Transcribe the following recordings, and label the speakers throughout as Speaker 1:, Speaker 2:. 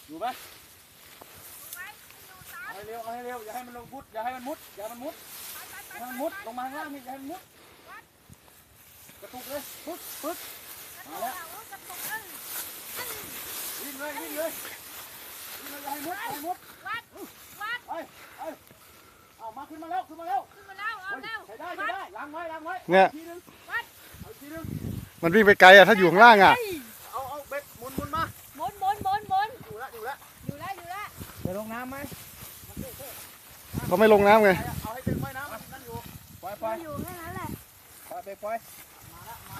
Speaker 1: อยู่ไหมเอาให้เร็วอย่าให้มันลงมุดอย่าให้มันมุดลงมาข้างล่างนี่อย่าให้มันมุดกระตุกเลยปึ๊ดมาแล้ววิ่งเลยอย่าให้มุดไปเอามาขึ้นมาแล้วเอาเร็วใช้ได้ล้างไว้
Speaker 2: เนี่ย
Speaker 1: ทีนึง
Speaker 2: มันวิ่งไปไกลอะถ้าอยู่ข้างล่างอะ
Speaker 1: เอาเบ็ดหมุนมา
Speaker 3: หมุน
Speaker 1: อยู่แล้ว
Speaker 3: จะลงน้ำไหม
Speaker 2: เขาไม่ลงน้ำไง
Speaker 1: เอาให้ถึงไว้น้ำนั่นอยู่ปล่อย
Speaker 3: อยู่แค่นั้นแหละ
Speaker 1: ปล่อยมา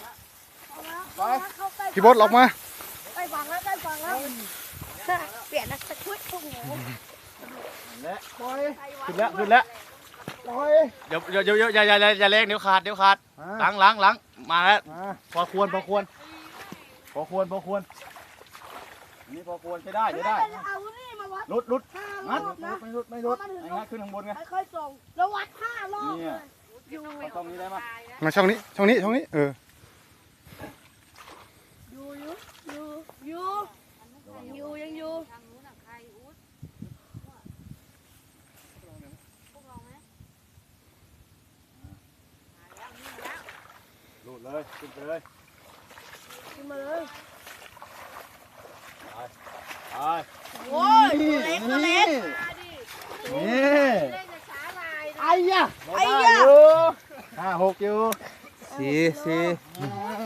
Speaker 1: แล้ว
Speaker 2: พี่บดออกมา
Speaker 3: ใกล้ฝั่งแล้วเปลี่ยนนักตะคุดโอ้โห
Speaker 1: และปล่อยขึ้นแล้วปล่อยเดี๋ยวอย่าเล็กเดี๋ยวขาดล้างมาแล้วพอควรนี่พอควรใช้ได้
Speaker 3: เอานี่มาวัด
Speaker 1: ลุด
Speaker 3: งัด
Speaker 1: ไม่ลุดงัดขึ้นข้างบนไง
Speaker 3: ค่อยๆส่งแล้ววัด5 รอบเลย
Speaker 1: อยู่ตรงนี้ได้ไหม
Speaker 2: มาช่องนี้
Speaker 3: อยู่ยังอยู่
Speaker 1: ลุดเลยขึ้นไปเลย
Speaker 3: ขึ้นมาเลย
Speaker 1: ไป
Speaker 3: โอ้ยเล็ก
Speaker 1: นี่
Speaker 3: ไอ้ยะ
Speaker 1: 5-6อยู่
Speaker 2: 4